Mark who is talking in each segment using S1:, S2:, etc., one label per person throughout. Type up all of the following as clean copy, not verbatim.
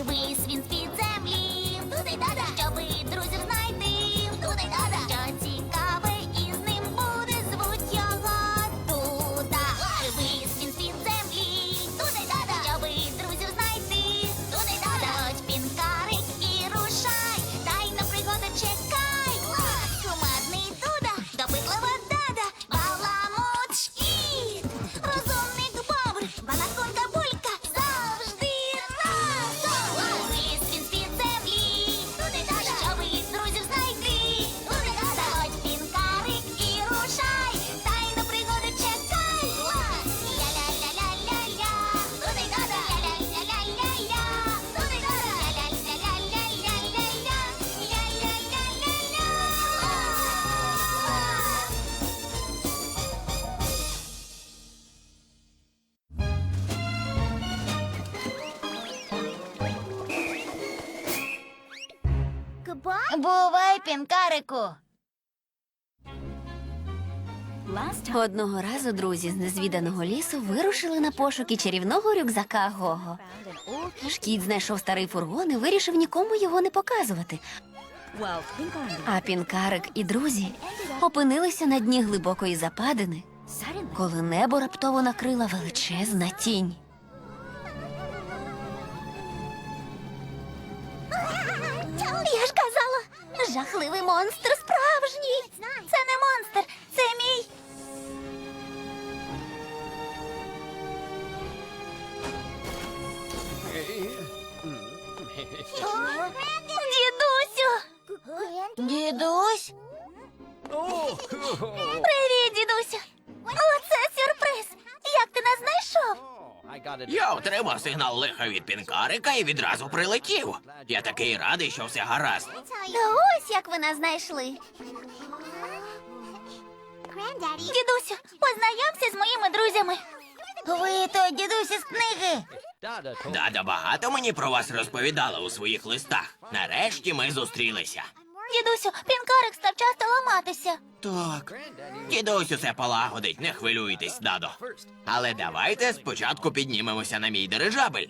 S1: Вись він з-під землі, туди-дада, щоби друзів знайти, туди-дада, що цікаве із ним буде, звуть його Дуда. Вись він з-під землі, туди-дада, щоби друзів знайти, туди-дада, ось пінкарик і рушай, дай на пригоди чекай. Кумедний Дуда, допитлива Дада, баламут шкіт, розумник Бобр, балаконка Булька, завжди разом. Ліс він з-під землі, туди-дада, щоби друзів знайти, туди-дада, ось пінкарик і рушай, дай на пригоди чекай. Ля-ля-ля-ля-ля-ля, туди-дада, ля-ля-ля-ля-ля-ля, туди-дада, ля-ля-ля-ля-ля-ля-ля, ля-ля-ля-ля-ля. Бувай, пінкарику.
S2: Одного разу друзі з незвіданого лісу вирушили на пошуки чарівного рюкзака Гого. Шкіт знайшов старий фургон і вирішив нікому його не показувати. А пінкарик і друзі опинилися на дні глибокої западини, коли небо раптово накрила величезна тінь.
S1: Я ж казала, жахливий монстр справжній. Це не монстр, це мій. Дідусю. Дідусь? Привіт, дідусю. Оце сюрприз. Як ти нас знайшов?
S3: Я отримав сигнал лиха від пінкарика і відразу прилетів. Я такий радий, що все гаразд.
S1: Та ось як ви нас знайшли. Дідусю, познайомся з моїми друзями. Ви той дідусь із книги.
S3: Дада багато мені про вас розповідала у своїх листах. Нарешті ми зустрілися.
S1: Дідусю, пінкарик став часто ламатися.
S3: Так. Дідусь усе полагодить, не хвилюйтесь, дадо. Але давайте спочатку піднімемося на мій дирижабель.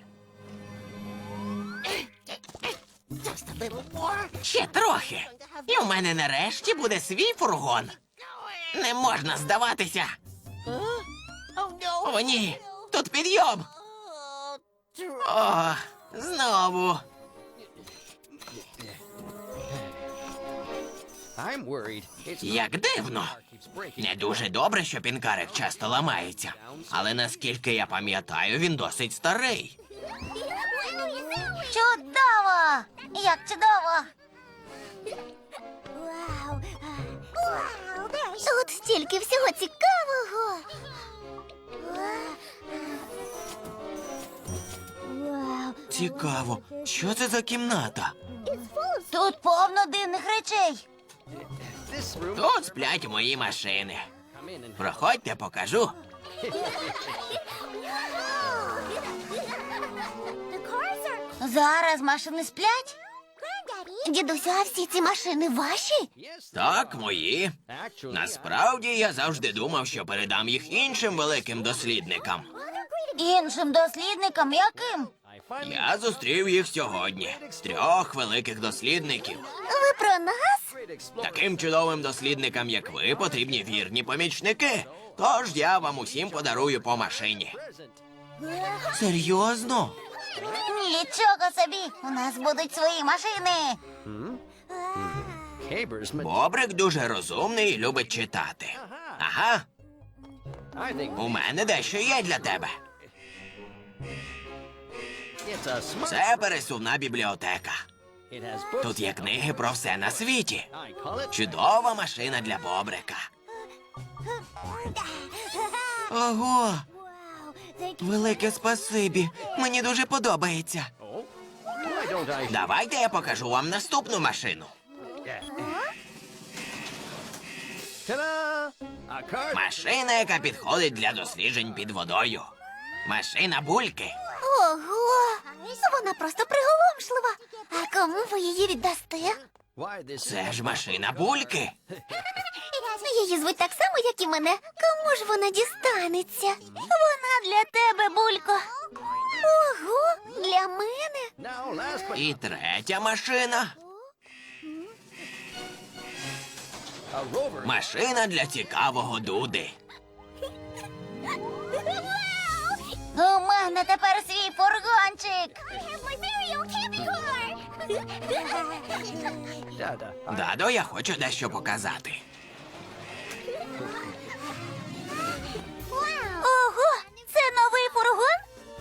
S3: Ще трохи. І в мене нарешті буде свій фургон. Не можна здаватися. О, ні, тут підйом. О, знову. Як дивно. Не дуже добре, що пінкарик часто ламається. Але наскільки я пам'ятаю, він досить старий.
S1: Чудово! Як чудово! Тут стільки всього цікавого.
S3: Цікаво, що це за кімната?
S1: Тут повно дивних речей.
S3: Тут сплять мої машини. Проходьте, покажу.
S1: Зараз машини сплять? Дідусю, а всі ці машини ваші?
S3: Так, мої. Насправді, я завжди думав, що передам їх іншим великим дослідникам.
S1: Іншим дослідникам яким?
S3: Я зустрів їх сьогодні. 3 великих дослідників.
S1: Ви про нас?
S3: Таким чудовим дослідникам, як ви, потрібні вірні помічники. Тож я вам усім подарую по машині. Серйозно?
S1: Нічого собі, у нас будуть свої машини.
S3: Бобрик дуже розумний і любить читати. Ага, у мене дещо є для тебе. Це пересувна бібліотека. Тут є книги про все на світі. Чудова машина для Бобрика. Ого! Велике спасибі. Мені дуже подобається. Давайте я покажу вам наступну машину. Машина, яка підходить для досліджень під водою. Машина Бульки.
S1: Ого! Вона просто приголомшлива. А кому ви її віддасте?
S3: Це ж машина Бульки.
S1: Її звуть так само, як і мене. Кому ж вона дістанеться? Вона для тебе, Булько. Ого, для мене?
S3: І третя машина. Машина для цікавого Дуди.
S1: У мене тепер свій фургончик.
S3: Дадо, я хочу дещо показати.
S1: Ого, це новий фургон?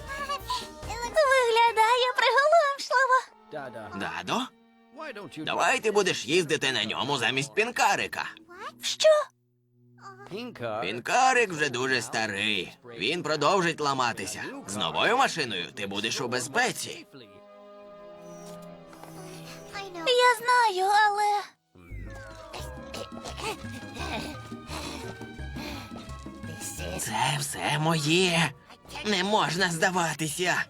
S1: Виглядає приголомшливо.
S3: Дадо, давай ти будеш їздити на ньому замість пінкарика.
S1: Що?
S3: Пінкарик вже дуже старий. Він продовжить ламатися. З новою машиною ти будеш у безпеці.
S1: Я знаю, але...
S3: Це все моє. Не можна здаватися.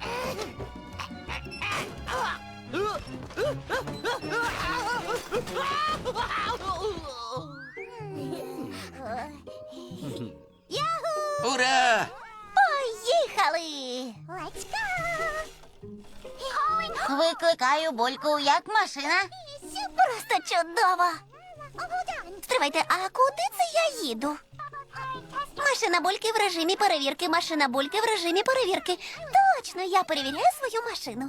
S3: Ура!
S1: Поїхали! Викликаю Бульку, як машина? Просто чудово! Стривайте, а куди це я їду? Машина Бульки в режимі перевірки, машина Бульки в режимі перевірки. Точно, я перевіряю свою машину.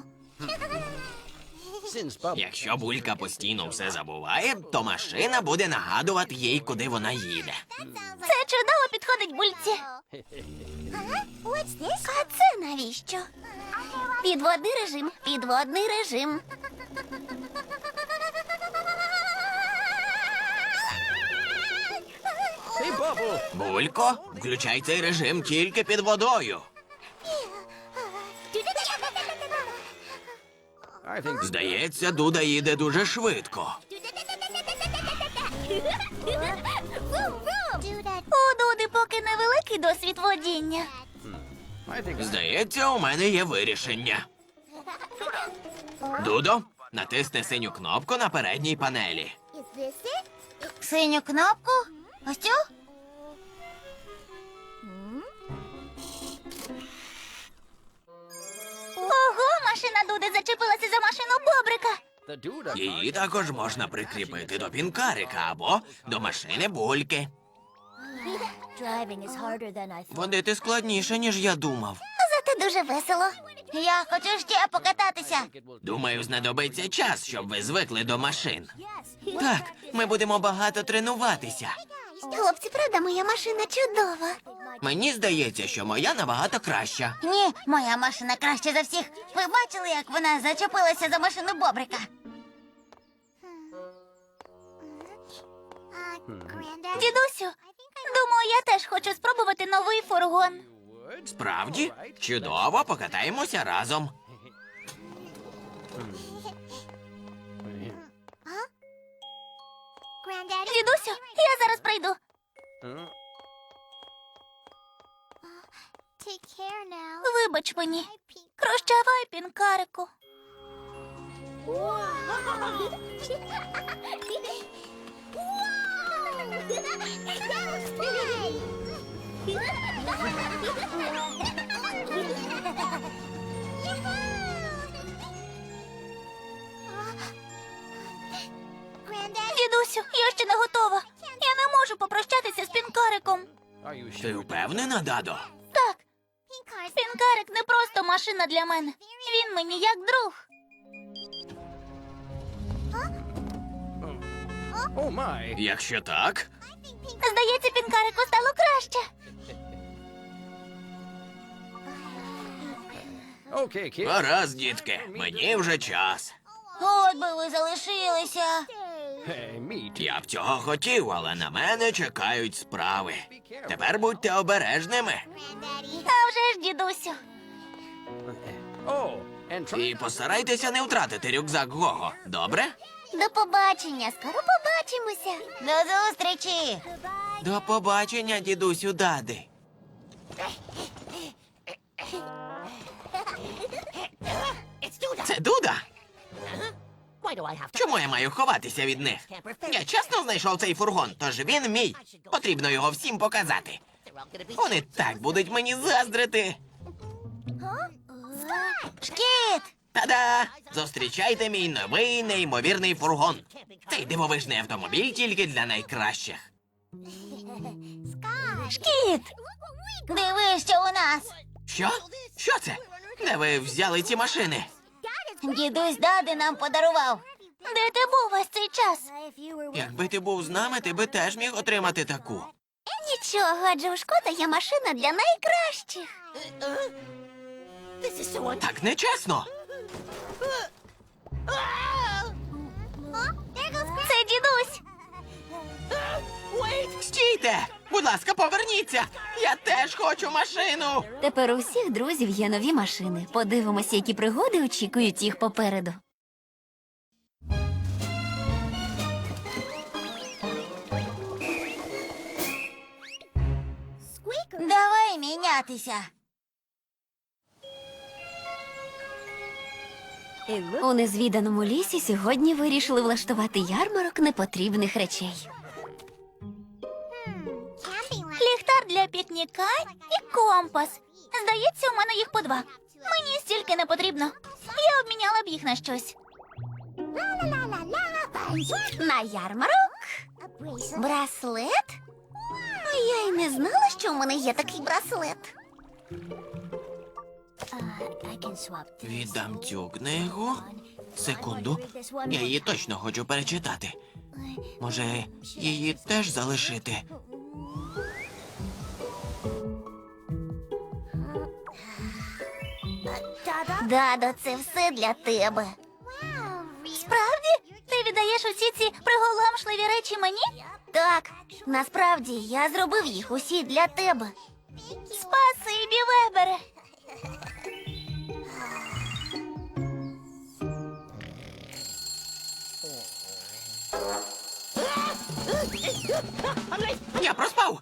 S3: Якщо Булька постійно все забуває, то машина буде нагадувати їй, куди вона їде.
S1: Це чудово підходить Бульці. А це навіщо? Підводний режим, підводний режим.
S3: Булько, включай цей режим тільки під водою. Здається, Дуда їде дуже швидко.
S1: У Дуди поки невеликий досвід водіння.
S3: Здається, у мене є вирішення. Дудо, натисни синю кнопку на передній панелі.
S1: Синю кнопку? Ось цю? Ого, машина Дуди зачепилася за машину Бобрика.
S3: Її також можна прикріпити до пінкарика або до машини Бульки. Водити складніше, ніж я думав.
S1: Зате дуже весело. Я хочу ще покататися.
S3: Думаю, знадобиться час, щоб ви звикли до машин. Так, ми будемо багато тренуватися.
S1: Хлопці, правда, моя машина чудова.
S3: Мені здається, що моя набагато краща.
S1: Ні, моя машина краще за всіх. Ви бачили, як вона зачепилася за машину Бобрика? Дідусю, думаю, я теж хочу спробувати новий фургон.
S3: Справді? Чудово, покатаємося разом.
S1: Дідусю, я зараз прийду. Вибач мені. Прощавай, пінкарику. Дідусю, я ще не готова. Я не можу попрощатися з пінкариком.
S3: Ти впевнена, Дадо?
S1: Так, пінкарик не просто машина для мене. Він мені як друг.
S3: Якщо так,
S1: Здається, пінкарику стало краще.
S3: гаразд, дітки, мені вже час.
S1: От би ви залишилися.
S3: Я б цього хотів, але на мене чекають справи. Тепер будьте обережними
S1: А вже ж, дідусю.
S3: і постарайтеся не втратити рюкзак Гого. Добре?
S1: До побачення. Скоро побачимося. До зустрічі.
S3: До побачення, дідусю Дади. Це Дуда? Чому я маю ховатися від них? Я чесно знайшов цей фургон, тож він мій. Потрібно його всім показати. Вони так будуть мені заздрити.
S1: Шкіт!
S3: Та-да! Зустрічайте мій новий неймовірний фургон. Цей дивовижний автомобіль тільки для найкращих.
S1: Шкіт! Дивись, що у нас!
S3: Що? Що це? Де ви взяли ці машини?
S1: Дідусь Дади нам подарував. Де ти був весь цей час?
S3: Якби ти був з нами, ти би теж міг отримати таку.
S1: Нічого, адже у Шкота є машина для найкращих.
S3: Так нечесно.
S1: Це дідусь.
S3: Стійте! Будь ласка, поверніться! Я теж хочу машину!
S2: Тепер у всіх друзів є нові машини. Подивимося, які пригоди очікують їх попереду.
S1: Давай мінятися.
S2: У незвіданому лісі сьогодні вирішили влаштувати ярмарок непотрібних речей.
S1: Ліхтар для пікніка і компас. Здається, у мене їх по два. Мені стільки не потрібно. Я обміняла б їх на щось.
S2: На ярмарок?
S1: Браслет? Я й не знала, що у мене є такий браслет.
S3: Віддам цю книгу. Секунду. Я її точно хочу перечитати. Може, її теж залишити?
S1: Дадо, це все для тебе. Справді? Ти віддаєш усі ці приголомшливі речі мені? Так, насправді я зробив їх усі для тебе. Спасибі, Вебере.
S3: Я проспав!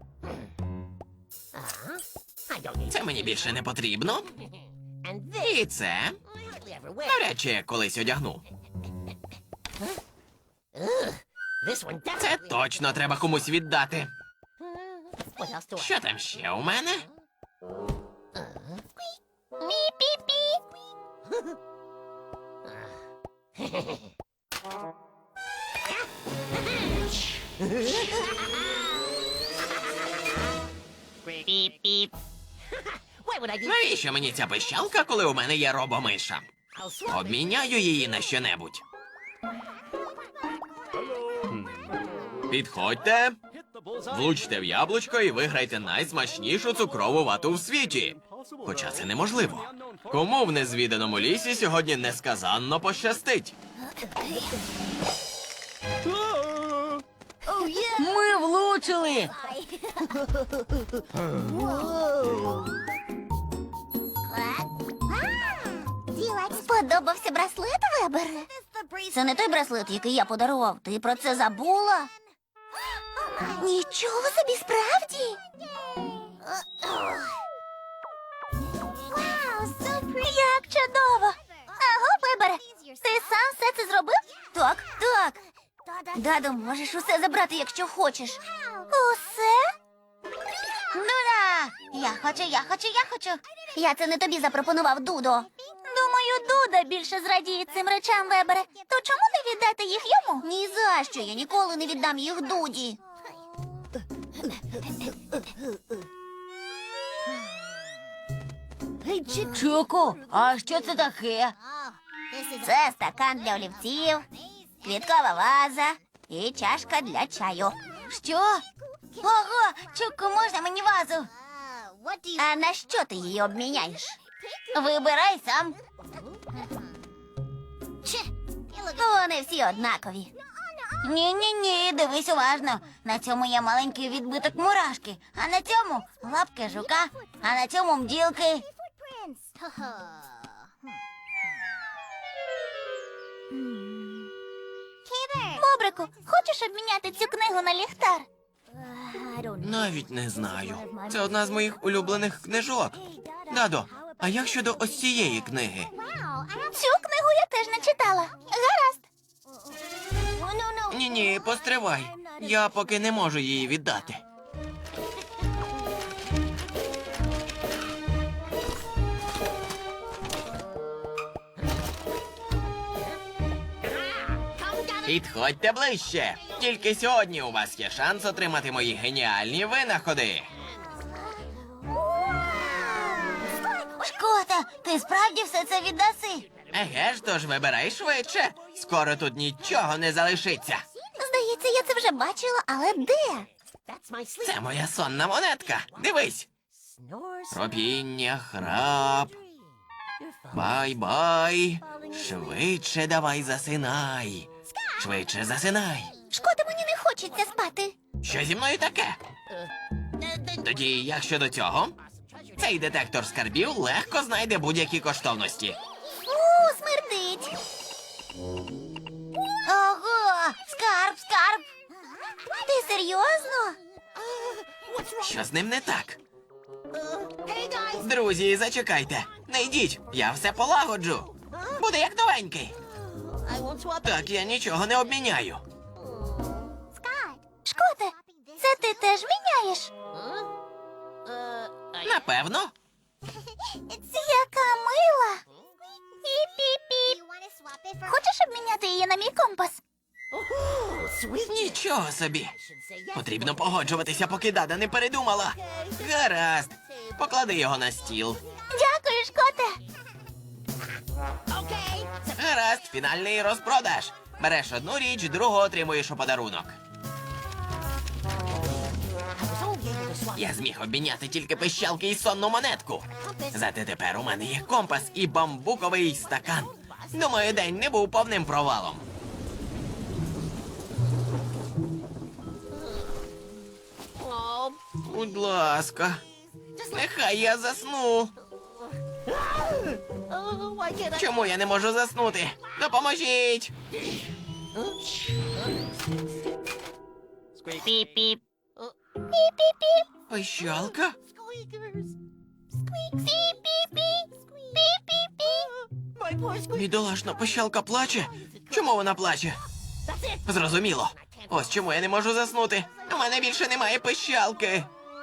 S3: Це мені більше не потрібно. І це навряд чи я колись одягну. Це точно треба комусь віддати. Що там ще у мене?
S1: Пі-пі-пі. Піп-піп.
S3: Навіщо мені ця пищалка, коли у мене є робомиша? Обміняю її на щонебудь. Підходьте, влучте в яблучко і виграйте найсмачнішу цукрову вату в світі. Хоча це неможливо. Кому в незвіданому лісі сьогодні несказанно пощастить?
S2: Ми влучили!
S1: Сподобався браслет, Вебере? Це не той браслет, який я подарував. Ти про це забула? Нічого собі, справді? Як чудово! Аго, Вебере, ти сам все це зробив? Так, так. Дадо, можеш усе забрати, якщо хочеш. Усе? Дуда! Я хочу. Я це не тобі запропонував, Дудо. Думаю, Дуда більше зрадіє цим речам, Вебере. То чому не віддати їх йому? Ні за що, я ніколи не віддам їх Дуді.
S2: Чоко, а що це таке?
S1: Це стакан для олівців, квіткова ваза і чашка для чаю. Що? Ого, Чуку, можна мені вазу? А на що ти її обміняєш? Вибирай сам. Вони всі однакові. Ні, дивись уважно. На цьому є маленький відбиток мурашки, а на цьому лапки жука, а на цьому бджілки. Бобрику, хочеш обміняти цю книгу на ліхтар?
S3: Навіть не знаю. Це одна з моїх улюблених книжок. Дадо, а як щодо ось цієї книги?
S1: Цю книгу я теж не читала. Гаразд.
S3: Ні, постривай. Я поки не можу її віддати. Підходьте ближче. Тільки сьогодні у вас є шанс отримати мої геніальні винаходи.
S1: Шкота, ти справді все це віддаси?
S3: Еге ж, тож вибирай швидше. Скоро тут нічого не залишиться.
S1: Здається, я це вже бачила, але де?
S3: Це моя сонна монетка. Дивись. Ропіння, храп. Бай-бай. Швидше давай засинай. Швидше засинай.
S1: Шкода, мені не хочеться спати.
S3: Що зі мною таке? Тоді, як щодо цього, цей детектор скарбів легко знайде будь-які коштовності.
S1: Смердить. Ого, скарб. Ти серйозно?
S3: Що з ним не так? Друзі, зачекайте. Не йдіть, я все полагоджу. Буде як новенький. Так я нічого не обміняю.
S1: Шкоте, це ти теж міняєш?
S3: Напевно.
S1: Яка мила. Піп-піп-піп. Хочеш обміняти її на мій компас?
S3: Нічого собі. Потрібно погоджуватися, поки Дада не передумала. Гаразд. Поклади його на стіл.
S1: Дякую, Шкоте.
S3: Гаразд, фінальний розпродаж. Береш одну річ, другу отримуєш у подарунок. Я зміг обміняти тільки пищалки і сонну монетку. Зате тепер у мене є компас і бамбуковий стакан. Думаю, день не був повним провалом. Будь ласка, нехай я засну. Чому я не можу заснути? Допоможіть!
S1: Піп-піп. Піп-піп-піп.
S3: Пищалка?
S1: Піп-піп-піп. Піп-піп-піп.
S3: Бідолашна пищалка плаче? Чому вона плаче? Зрозуміло. Ось чому я не можу заснути. У мене більше немає пищалки.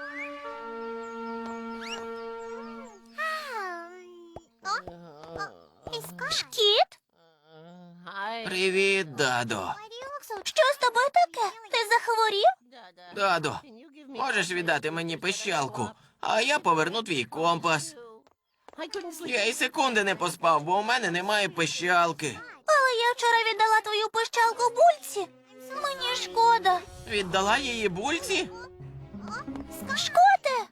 S1: Шкіт?
S3: Привіт, Дадо.
S1: Що з тобою таке? Ти захворів?
S3: Дадо, можеш віддати мені пищалку, а я поверну твій компас. Я і секунди не поспав, бо у мене немає пищалки.
S1: Але я вчора віддала твою пищалку бульці. Мені шкода.
S3: Віддала її бульці?
S1: Шкоте?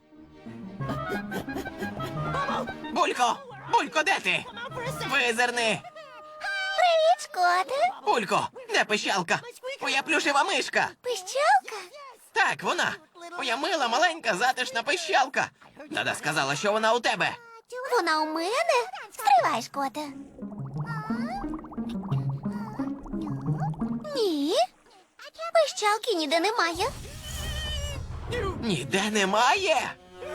S3: Булько! Булько, де ти? Визирни!
S1: Привіт, Шкоте.
S3: Булько, де пищалка? Моя плюшева мишка.
S1: Пищалка?
S3: Так, вона. Моя мила, маленька, затишна пищалка. Дада сказала, що вона у тебе.
S1: Вона у мене? Стривай, Шкоте. Ні. Пищалки ніде немає.
S3: Ніде немає.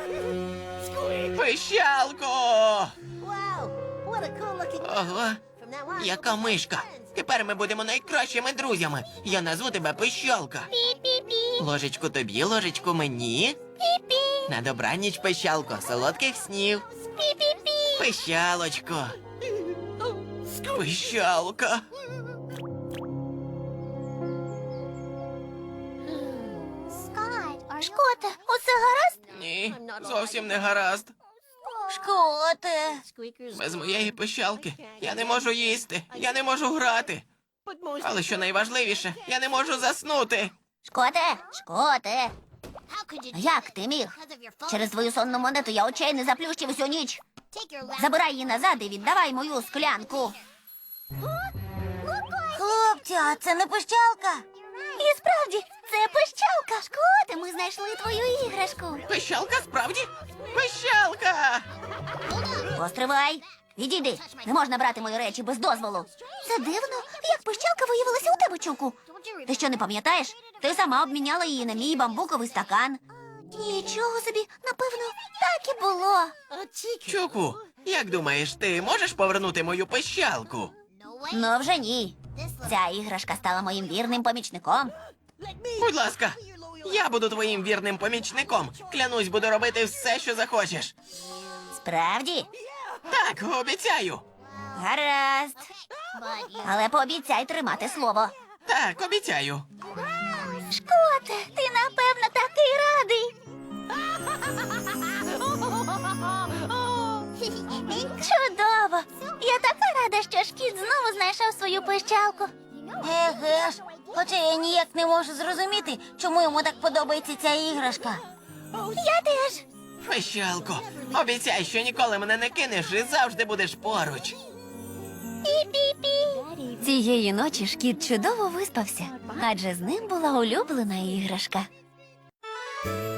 S3: Пищалко! Ого, яка мишка. Тепер ми будемо найкращими друзями. Я назву тебе Пищалка.
S1: Пі-пі-пі.
S3: Ложечку тобі, ложечку мені.
S1: Пі-пі.
S3: На добраніч, Пищалко, солодких снів.
S1: Пі-пі-пі.
S3: Пищалочко. Пищалка.
S1: Шкоте, усе гаразд?
S3: Ні, зовсім не гаразд.
S1: Шкоте.
S3: Без моєї пищалки я не можу їсти, я не можу грати. Але що найважливіше, я не можу заснути.
S1: Шкоте. Як ти міг? Через твою сонну монету я очей не заплющив усю ніч. Забирай її назад і віддавай мою склянку. Хлопці, а це не пищалка. І справді, це пищалка. Шкоте, ми знайшли твою іграшку.
S3: Пищалка справді? Пищалка!
S1: Постривай. Відійди. Не можна брати мої речі без дозволу. Це дивно, як пищалка виявилася у тебе, Чуку. Ти що, не пам'ятаєш? Ти сама обміняла її на мій бамбуковий стакан. Нічого собі, напевно, так і було.
S3: Чуку, як думаєш, ти можеш повернути мою пищалку?
S1: Ну вже ні. Ця іграшка стала моїм вірним помічником.
S3: Будь ласка, я буду твоїм вірним помічником. Клянусь, буду робити все, що захочеш.
S1: Справді?
S3: Так, обіцяю.
S1: Гаразд. Але пообіцяй тримати слово.
S3: Так, обіцяю.
S1: Шкоте, ти напевно такий радий. Чудово! Я така рада, що шкіт знову знайшов свою пищалку. Еге ж, хоча я ніяк не можу зрозуміти, чому йому так подобається ця іграшка. Я теж.
S3: Пищалко, обіцяй, що ніколи мене не кинеш і завжди будеш поруч.
S1: Пі-пі-пі.
S2: Цієї ночі шкіт чудово виспався, адже з ним була улюблена іграшка.